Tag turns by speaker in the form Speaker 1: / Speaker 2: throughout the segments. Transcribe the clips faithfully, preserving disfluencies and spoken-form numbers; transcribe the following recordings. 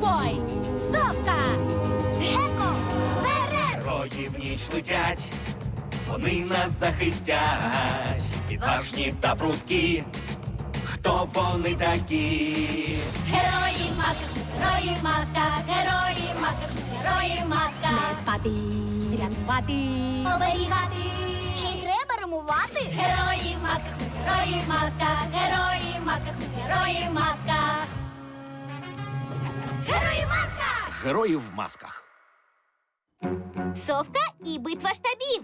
Speaker 1: Кетбой, Совка, Геко, вперед!
Speaker 2: Герої в ніч летять, вони нас захистять. Відважні та прудкі, хто вони такі?
Speaker 1: Герої в масках, герої в масках, герої в масках, герої в масках. Не спати, рятувати, оберігати.
Speaker 3: Ще й треба римувати.
Speaker 1: Герої в масках, герої в масках, герої в масках, герої в масках.
Speaker 3: Герої в масках!
Speaker 2: Герої в масках.
Speaker 3: Совка і битва штабів.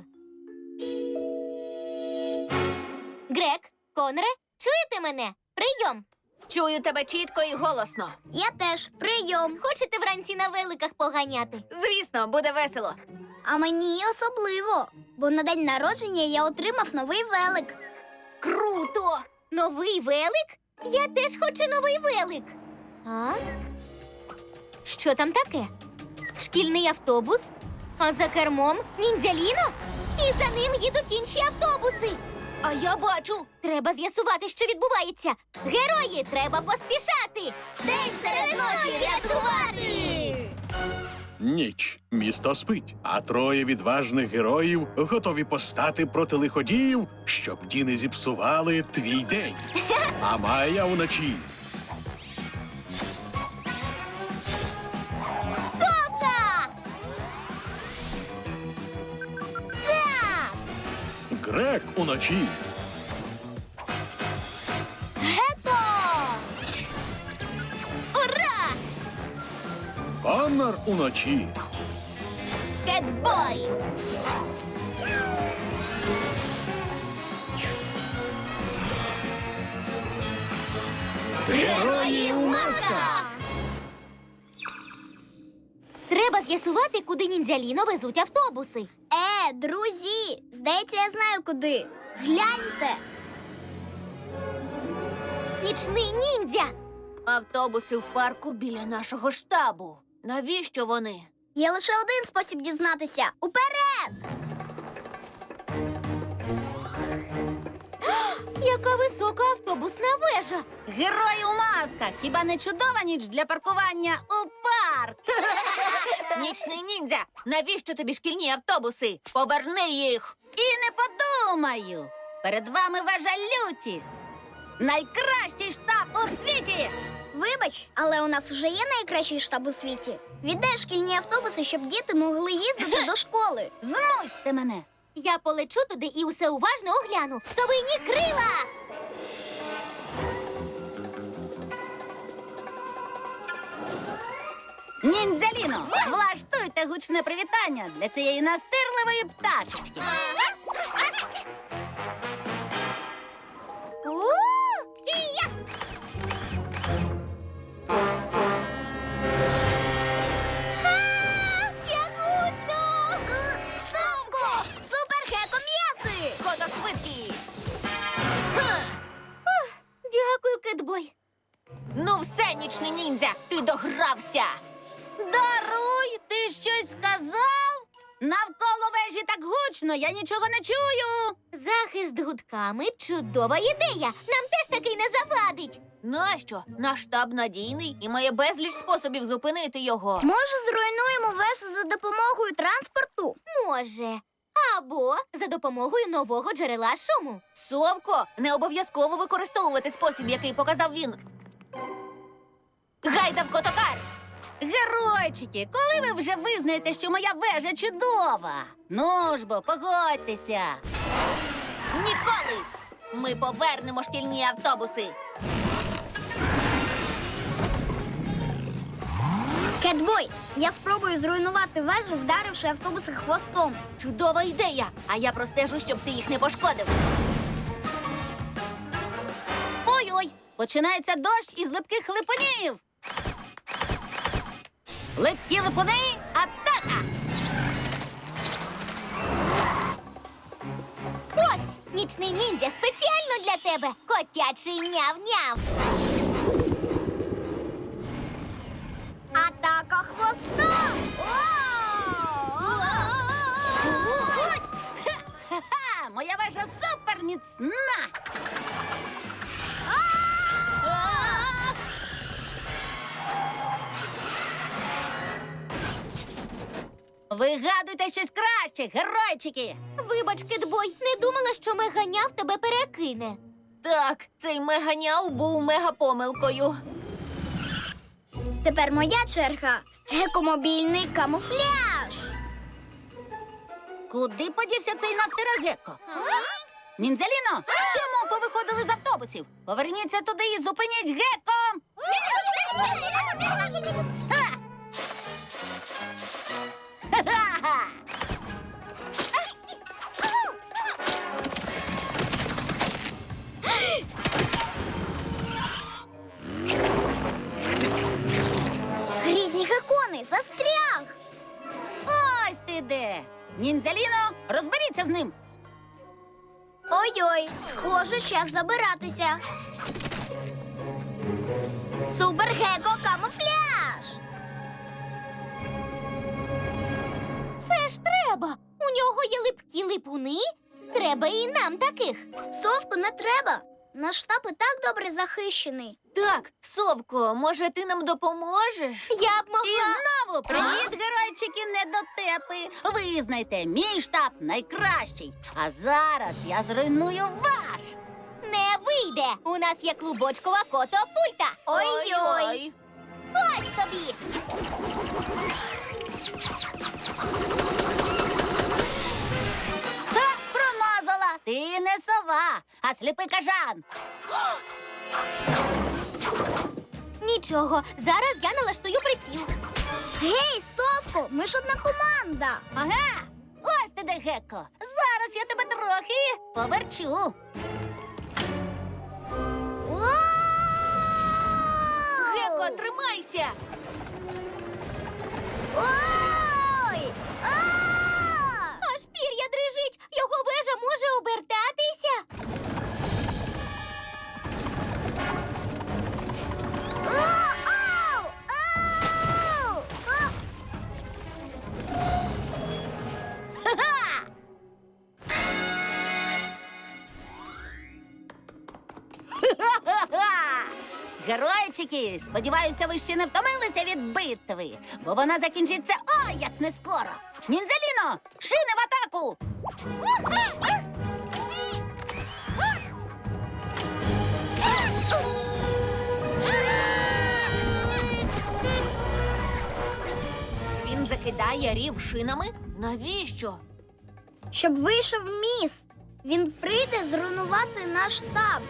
Speaker 3: Грек, Конре, чуєте мене? Прийом.
Speaker 4: Чую тебе чітко і голосно.
Speaker 3: Я теж. Прийом. Хочете вранці на великах поганяти?
Speaker 4: Звісно, буде весело.
Speaker 3: А мені особливо, бо на день народження я отримав новий велик.
Speaker 4: Круто!
Speaker 3: Новий велик? Я теж хочу новий велик. А? Що там таке? Шкільний автобус? А за кермом ніндзя-Ліно? І за ним їдуть інші автобуси.
Speaker 4: А я бачу.
Speaker 3: Треба з'ясувати, що відбувається. Герої, треба поспішати. День серед ночі рятувати!
Speaker 5: Ніч. Місто спить, а троє відважних героїв готові постати проти лиходіїв, щоб ті не зіпсували твій день. А Майя уночі.
Speaker 3: Совка! Так!
Speaker 5: Грек уночі.
Speaker 3: Геко! Ура!
Speaker 5: Коннор уночі.
Speaker 3: Кетбой!
Speaker 5: Герої у масках!
Speaker 3: Треба з'ясувати, куди ніндзя-Ліно везуть автобуси. Е, друзі, здається, я знаю куди. Гляньте. Нічний ніндзя.
Speaker 4: Автобуси в парку біля нашого штабу. Навіщо вони?
Speaker 3: Є лише один спосіб дізнатися. Уперед! Яка висока автобусна вежа.
Speaker 1: Герої у масках! Хіба не чудова ніч для паркування у парк?
Speaker 4: Нічний ніндзя! Навіщо тобі шкільні автобуси? Поверни їх!
Speaker 1: І не подумаю! Перед вами вежа люті! Найкращий штаб у світі!
Speaker 3: Вибач, але у нас вже є найкращий штаб у світі. Віддай шкільні автобуси, щоб діти могли їздити до школи.
Speaker 1: Змусьте мене!
Speaker 3: Я полечу туди і усе уважно огляну. Совині крила!
Speaker 1: Ніндзя-Ліно, влаштуйте гучне привітання для цієї настирливої пташечки.
Speaker 3: О, і я! А, як гучно! Совко! Супер-геко-м'яси!
Speaker 4: Ходошвидкість!
Speaker 3: Дякую, Кетбой.
Speaker 4: Ну все, нічний ніндзя, ти догрався!
Speaker 1: Даруй, ти щось сказав? Навколо вежі так гучно, я нічого не чую.
Speaker 3: Захист гудками – чудова ідея. Нам теж такий не завадить.
Speaker 4: Нащо? Наш штаб надійний і має безліч способів зупинити його.
Speaker 3: Може, зруйнуємо вежу за допомогою транспорту? Може. Або за допомогою нового джерела шуму.
Speaker 4: Совко, не обов'язково використовувати спосіб, який показав він. Гайда в котокар!
Speaker 1: Геройчики, коли ви вже визнаєте, що моя вежа чудова? Ну ж бо, погодьтеся.
Speaker 4: Ніколи! Ми повернемо шкільні автобуси.
Speaker 3: Кетбой, я спробую зруйнувати вежу, вдаривши автобуси хвостом.
Speaker 4: Чудова ідея! А я простежу, щоб ти їх не пошкодив.
Speaker 1: Ой-ой, починається дощ із липких липунів. Липкі липуни, атака!
Speaker 3: Ось, нічний ніндзя спеціально для тебе. Котячий няв-няв. Атака хвостом!
Speaker 1: Ха-ха, моя вежа супер міцна!
Speaker 4: Вигадуйте щось краще, геройчики!
Speaker 3: Вибач, Кетбой, не думала, що меганяв тебе перекине.
Speaker 4: Так, цей меганяв був мегапомилкою.
Speaker 6: Тепер моя черга. Гекомобільний камуфляж.
Speaker 4: Куди подівся цей настерегеко? Ніндзяліно, чому повиходили з автобусів? Поверніться туди і зупиніть геко! Ха! Ха-ха-ха!
Speaker 6: Грізні гекони, застряг.
Speaker 4: Ось ти де! Ніндзяліно, розберіться з ним!
Speaker 6: Ой-ой, схоже, час забиратися. Супер-геко камуфляж.
Speaker 3: Це ж треба. У нього є липкі липуни. Треба і нам таких.
Speaker 6: Совку не треба. Наш штаб і так добре захищений.
Speaker 4: Так, Совко, може, ти нам допоможеш?
Speaker 3: Я б
Speaker 4: І
Speaker 3: могла.
Speaker 4: знову привіт, геройчики недотепи! Визнайте, мій штаб найкращий. А зараз я зруйную ваш.
Speaker 3: Не вийде. У нас є клубочкова котопульта.
Speaker 6: Ой-ой.
Speaker 3: Ось тобі.
Speaker 4: Ха, промазала! Ти не сова, а сліпий кажан.
Speaker 3: Нічого, зараз я налаштую приціл.
Speaker 6: Гей, Совко, ми ж одна команда.
Speaker 4: Ага, ось ти де, Гекко. Зараз я тебе трохи поверчу. Гекко, тримайся!
Speaker 6: Ой! А!
Speaker 3: Аж пір'я дрижить. Його вежа може обертатися.
Speaker 6: Ау! Ау! А!
Speaker 4: Ха-ха! Ха-ха-ха! Геройчики, сподіваюся, ви ще не втомилися від битви, бо вона закінчиться ой, як не скоро. Ніндзяліно, шини в атаку! Він закидає рів шинами? Навіщо?
Speaker 6: Щоб вийшов міст. Він прийде зруйнувати наш штаб.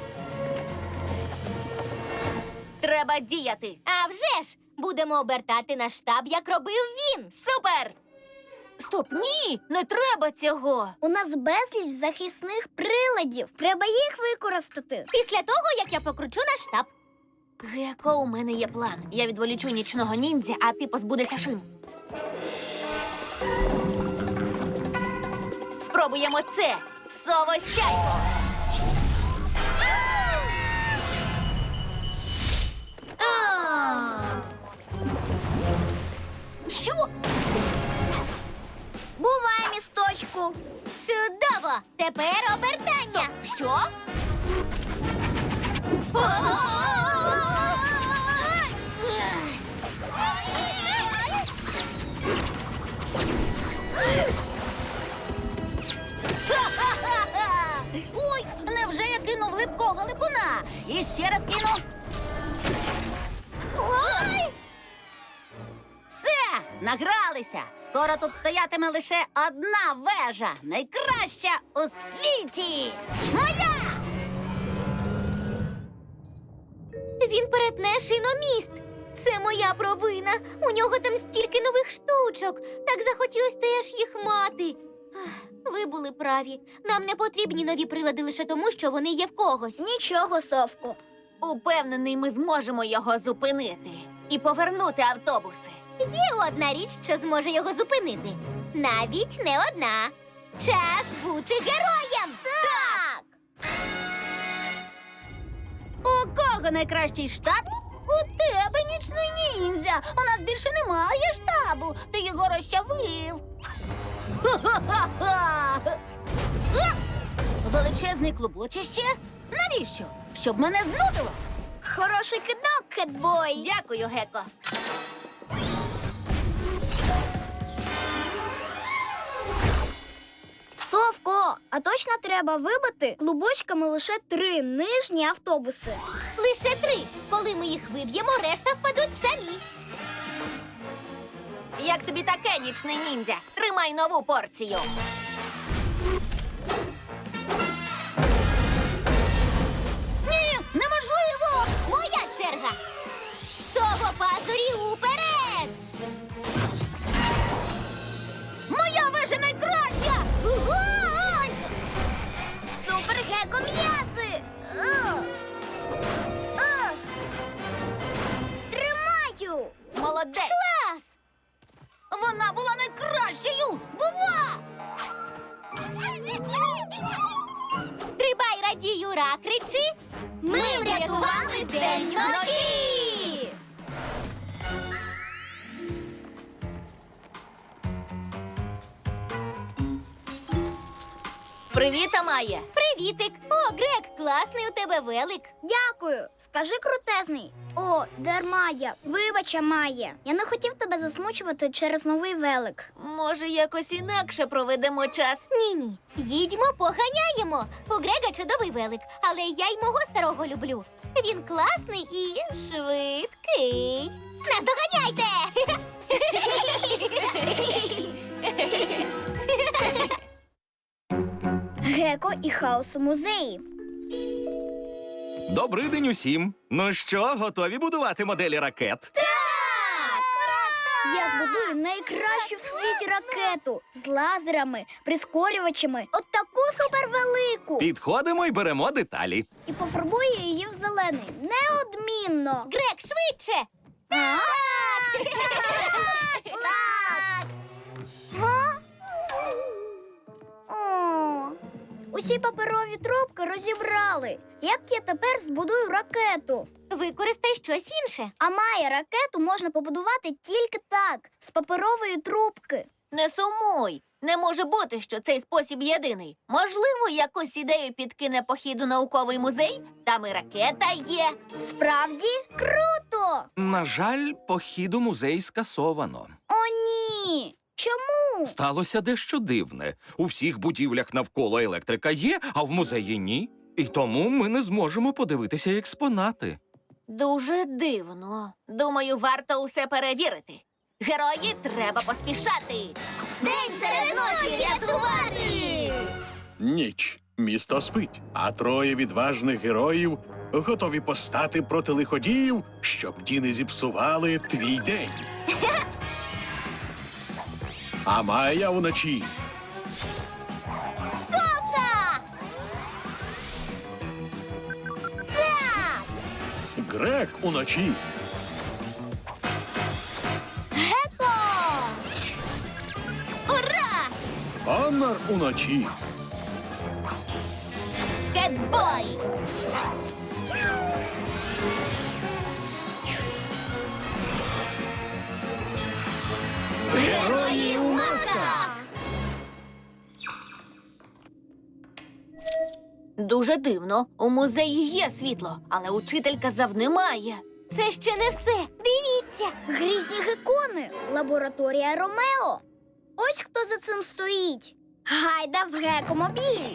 Speaker 4: Треба діяти.
Speaker 3: А вже ж, будемо обертати наш штаб, як робив він.
Speaker 4: Супер! Стоп, ні, не треба цього.
Speaker 6: У нас безліч захисних приладів. Треба їх використати.
Speaker 3: Після того, як я покручу наш штаб.
Speaker 4: Геко, у мене є план. Я відволічу нічного ніндзя, а ти позбудешся шин. Спробуємо це. Совосяйко! Що?
Speaker 6: Бувай, місточку.
Speaker 3: Чудово! Тепер обертання.
Speaker 4: Що? Ха-ха-ха! Ой, невже я кинув липкого липуна? І ще раз кину.
Speaker 3: Ой!
Speaker 4: Все, награлися. Скоро тут стоятиме лише одна вежа, найкраща у світі. Моя!
Speaker 3: Він перетне шиноміст. Це моя провина. У нього там стільки нових штучок. Так захотілось теж їх мати. Ах, ви були праві. Нам не потрібні нові прилади лише тому, що вони є в когось.
Speaker 6: Нічого, Совку.
Speaker 4: Упевнений, ми зможемо його зупинити і повернути автобуси.
Speaker 3: Є одна річ, що зможе його зупинити. Навіть не одна. Час бути героєм!
Speaker 6: Так!
Speaker 4: У кого найкращий штаб? У тебе, нічний ніндзя. У нас більше немає штабу. Ти його розчавив. Ха-ха-ха! А! Величезний клубочище? Навіщо? Щоб мене знудило.
Speaker 6: Хороший кидок, кетбой.
Speaker 4: Дякую, Геко.
Speaker 6: Левко, а точно треба вибити клубочками лише три нижні автобуси.
Speaker 3: Лише три. Коли ми їх виб'ємо, решта впадуть самі.
Speaker 4: Як тобі таке, нічний ніндзя? Тримай нову порцію. Ні, неможливо!
Speaker 3: Моя черга. Того пазурі уперед!
Speaker 4: Моя вежа найкраща!
Speaker 3: Вогонь!
Speaker 6: Супер геко м'язи! Ух! Ух! Тримаю!
Speaker 4: Молодець!
Speaker 3: Клас!
Speaker 4: Вона була найкращою! Була!
Speaker 3: Стрибай, радій, ура, кричи! Ми врятували день вночі!
Speaker 4: Привіт, Амає!
Speaker 3: Привітик! О, Грек, класний у тебе велик.
Speaker 6: Дякую. Скажи крутезний. О, Дермая, вибач, Амає. Я не хотів тебе засмучувати через новий велик.
Speaker 4: Може, якось інакше проведемо час?
Speaker 3: Ні-ні, їдьмо, поганяємо. У Грега чудовий велик, але я й мого старого люблю. Він класний і швидкий. Наздоганяйте!
Speaker 6: Геко і хаос у музеї.
Speaker 2: Добрий день усім. Ну що, готові будувати моделі ракет?
Speaker 6: Я збудую найкращу в світі ракету з лазерами, прискорювачами, от таку супервелику.
Speaker 2: Підходимо і беремо деталі.
Speaker 6: І пофарбую її в зелений. Неодмінно.
Speaker 3: Грек, швидше!
Speaker 6: А? Га? О, усі паперові трубки розібрали. Як я тепер збудую ракету?
Speaker 3: Використай щось інше.
Speaker 6: А має ракету можна побудувати тільки так, з паперової трубки.
Speaker 4: Не сумуй! Не може бути, що цей спосіб єдиний. Можливо, якусь ідею підкине похід у науковий музей? Там і ракета є.
Speaker 6: Справді? Круто!
Speaker 2: На жаль, похід у музей скасовано.
Speaker 6: О, ні! Чому?
Speaker 2: Сталося дещо дивне. У всіх будівлях навколо електрика є, а в музеї ні. І тому ми не зможемо подивитися експонати.
Speaker 4: Дуже дивно. Думаю, варто усе перевірити. Герої, треба поспішати.
Speaker 3: День серед ночі рятувати!
Speaker 5: Ніч. Місто спить, а троє відважних героїв готові постати проти лиходіїв, щоб ті не зіпсували твій день. А Майя вночі.
Speaker 3: Сока! Так!
Speaker 5: Грек уночі.
Speaker 6: Геко!
Speaker 3: Ура!
Speaker 5: Коннор уночі.
Speaker 3: Кетбой! Герої у масках!
Speaker 4: Дуже дивно. У музеї є світло, але учитель казав, немає.
Speaker 3: Це ще не все. Дивіться!
Speaker 6: Грізні гекони! Лабораторія Ромео! Ось хто за цим стоїть. Гайда в гекомобіль!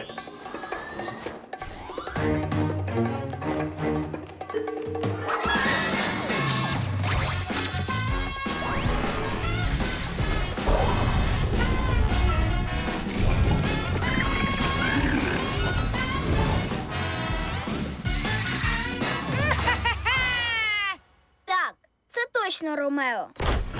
Speaker 6: Так, це точно Ромео.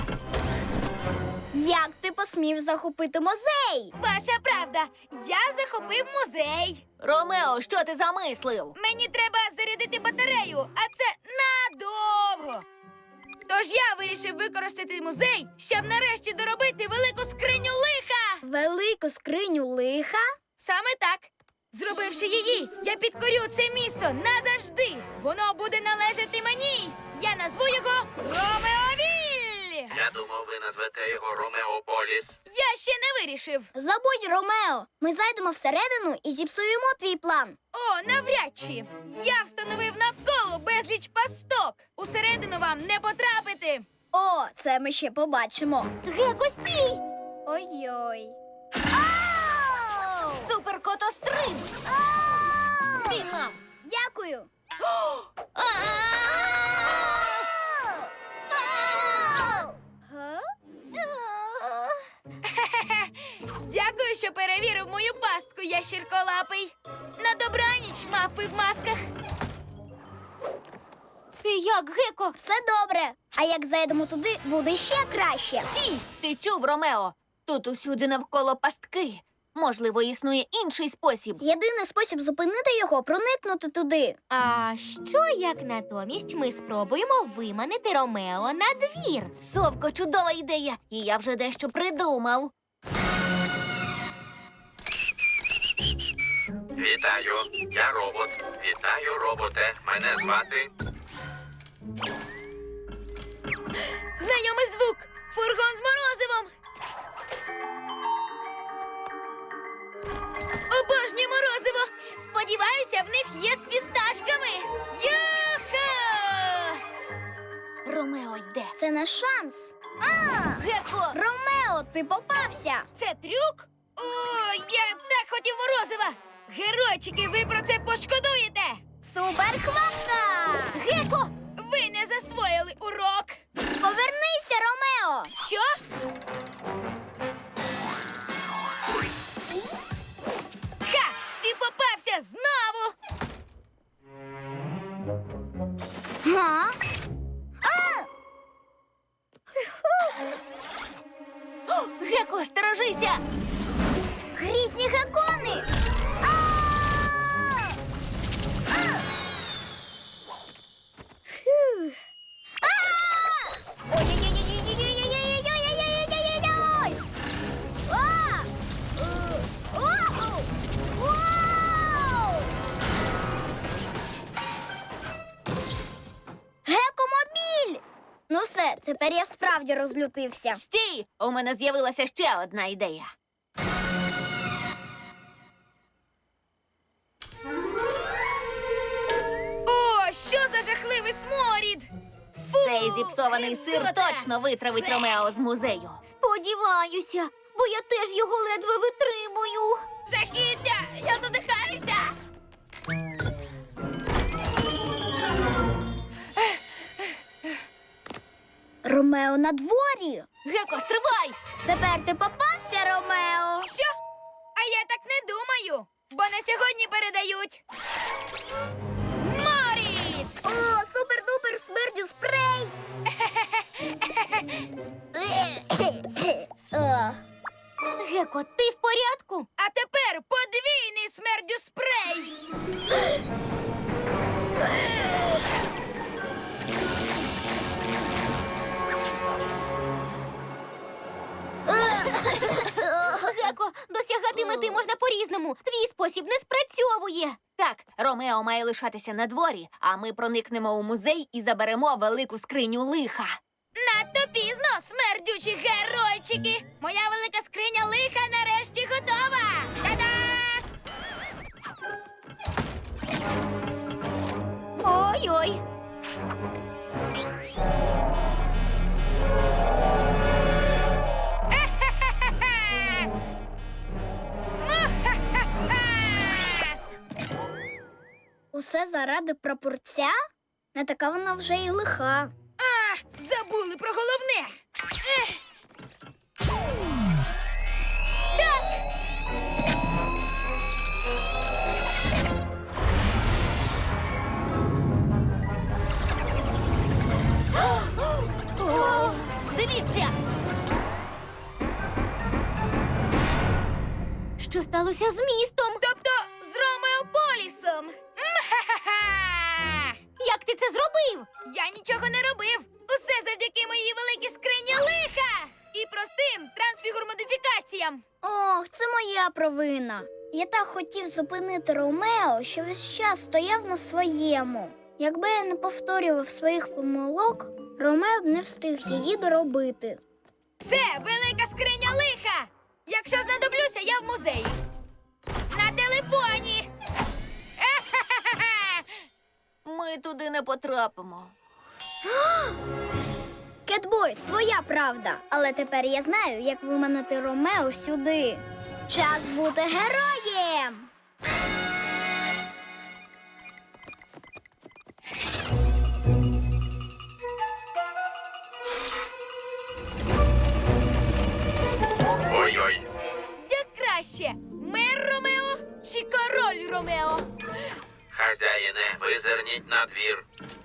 Speaker 6: Як ти посмів захопити музей?
Speaker 1: Ваша правда, я захопив музей.
Speaker 4: Ромео, що ти замислив?
Speaker 1: Мені треба зарядити батарею, а це надовго. Тож я вирішив використати музей, щоб нарешті доробити велику скриню лиха.
Speaker 6: Велику скриню лиха?
Speaker 1: Саме так. Зробивши її, я підкорю це місто назавжди. Воно буде належати мені. Я назву його Ромеовіль.
Speaker 7: Я думав, ви назвете його Ромеополіс.
Speaker 1: Я ще не вирішив.
Speaker 6: Забудь, Ромео. Ми зайдемо всередину і зіпсуємо твій план.
Speaker 1: О, навряд чи. Я встановив навколо безліч пасток. Усередину вам не потрапити.
Speaker 6: О, це ми ще побачимо.
Speaker 3: Геко, стій!
Speaker 6: Ой-ой.
Speaker 3: Супер!
Speaker 4: Шин! Спіймав!
Speaker 6: Дякую. Га?
Speaker 1: Дякую, що перевірив мою пастку, ящірколапий. На добраніч, мавпи в масках.
Speaker 3: Ти як, Геко?
Speaker 6: Все добре. А як зайдемо туди, буде ще краще.
Speaker 4: Стій! Ти чув, Ромео? Тут усюди навколо пастки. Можливо, існує інший спосіб.
Speaker 6: Єдиний спосіб зупинити його проникнути туди.
Speaker 3: А що як натомість ми спробуємо виманити Ромео на двір?
Speaker 4: Совко, чудова ідея! І я вже дещо придумав.
Speaker 7: Вітаю, я робот. Вітаю, роботе. Мене звати.
Speaker 1: Знайомий звук. Фургон з морозивом. Обожнюю морозиво. Сподіваюся, в них є з фісташками. Юху!
Speaker 4: Ромео йде.
Speaker 6: Це наш шанс.
Speaker 4: Геко!
Speaker 6: Ромео, ти попався.
Speaker 1: Це трюк? О, я так хотів морозива. Геройчики, ви про це пошкодуєте.
Speaker 6: Суперхватка!
Speaker 1: Геко, ви не засвоїли урок.
Speaker 6: Повернися, Ромео!
Speaker 1: Що? Ха! Ти попався знову!
Speaker 6: Га?
Speaker 4: Геко, сторожися!
Speaker 6: Грізні гекони! А! А! Фу. А! Ой-ой-ой-ой-ой-ой-ой-ой-ой-ой-ой-ой-ой-ой! А! Е, оу! Вау! Гекомобіль! Ну все, тепер я справді розлютився.
Speaker 4: Стій! У мене з'явилася ще одна ідея.
Speaker 1: О, що за жахливий сморід! Фу,
Speaker 4: Цей зіпсований сир
Speaker 1: гидота!
Speaker 4: точно витравить
Speaker 1: Фе!
Speaker 4: Ромео з музею.
Speaker 3: Сподіваюся, бо я теж його ледве витримую.
Speaker 1: Жахіття! Я задихаюся!
Speaker 6: Ромео на дворі.
Speaker 4: Геко, стривай!
Speaker 6: Тепер ти попався, Ромео.
Speaker 1: Що? А я так не думаю, бо на сьогодні передають. Сморід!
Speaker 6: О, супер-дупер смердю спрей. Е,
Speaker 3: Геко, ти в порядку?
Speaker 1: А тепер подвійний смердю спрей!
Speaker 3: Геко, досягати мети можна по-різному. Твій спосіб не спрацьовує.
Speaker 4: Так, Ромео має лишатися на дворі, а ми проникнемо у музей і заберемо велику скриню лиха.
Speaker 1: Надто пізно, смердючі геройчики! Моя велика скриня лиха нарешті готова! Та-да!
Speaker 3: Ой-ой.
Speaker 1: Е-хе-хе-хе! Му-ха-ха-ха!
Speaker 6: Усе заради прапорця? Не така вона вже й лиха.
Speaker 1: А, забули про головне! Ех! Так!
Speaker 4: О, дивіться!
Speaker 3: Що сталося з містом?
Speaker 1: Тобто з Ромеополісом! М-ха-ха-ха!
Speaker 3: Як ти це зробив?
Speaker 1: Я нічого не робив! Усе завдяки моїй великій скрині лиха! І простим трансфігур-модифікаціям!
Speaker 6: Ох, це моя провина. Я так хотів зупинити Ромео, що весь час стояв на своєму. Якби я не повторював своїх помилок, Ромео б не встиг її доробити.
Speaker 1: Це велика скриня лиха! Якщо знадоблюся, я в музеї. На телефоні! Е-ха-ха-ха!
Speaker 4: Ми туди не потрапимо.
Speaker 6: Кетбой, твоя правда. Але тепер я знаю, як виманити Ромео сюди. Час бути героєм!
Speaker 7: визирніть на двір.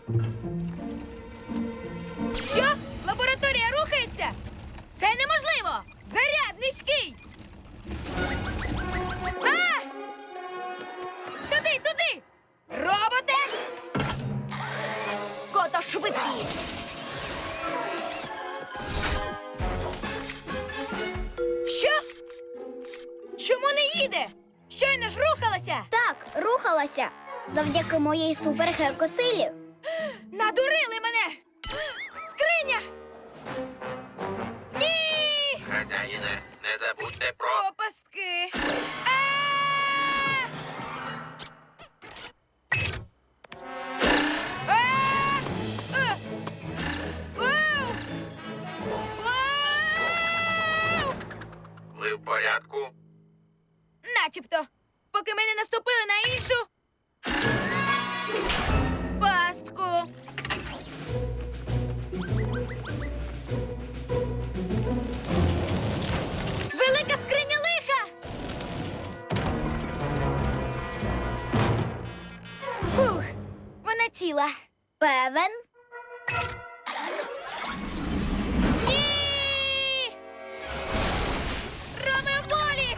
Speaker 1: Що? Лабораторія рухається? Це неможливо! Заряд низький! А! Туди, туди! Роботе!
Speaker 4: Кото швидкий!
Speaker 1: Що? Чому не їде? Щойно ж рухалася!
Speaker 6: Так, рухалася. Завдяки моїй супергекосилі.
Speaker 1: Надурили мене! Скриня! Ні!
Speaker 7: Хазяїне, не забудьте про...
Speaker 1: О, пастки! А! А! А! Вау! Вау!
Speaker 7: Ви в порядку?
Speaker 1: Начебто, поки ми не наступили на іншу пастку. Велика скриня лиха! Фух, вона ціла.
Speaker 6: Певен?
Speaker 1: Ні! Ромео Поліс!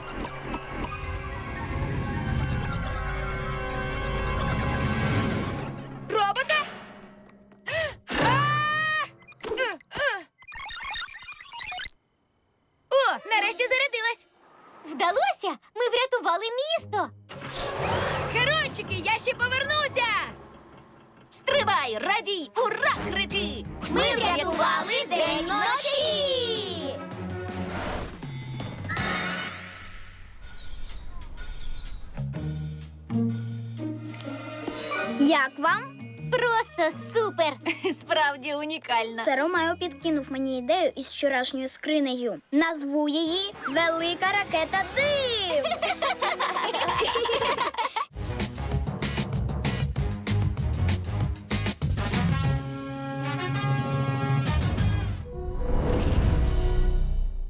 Speaker 1: Робота? А! Е, е. О, нарешті зарядилась.
Speaker 3: Вдалося! Ми врятували місто!
Speaker 1: Геройчики, я ще повернуся!
Speaker 4: Стривай, радій, ура, кричи!
Speaker 3: Ми врятували день ночі!
Speaker 6: Як вам?
Speaker 3: Просто супер! Справді унікально.
Speaker 6: Це Ромео підкинув мені ідею із вчорашньою скринею. Назву її Велика ракета див.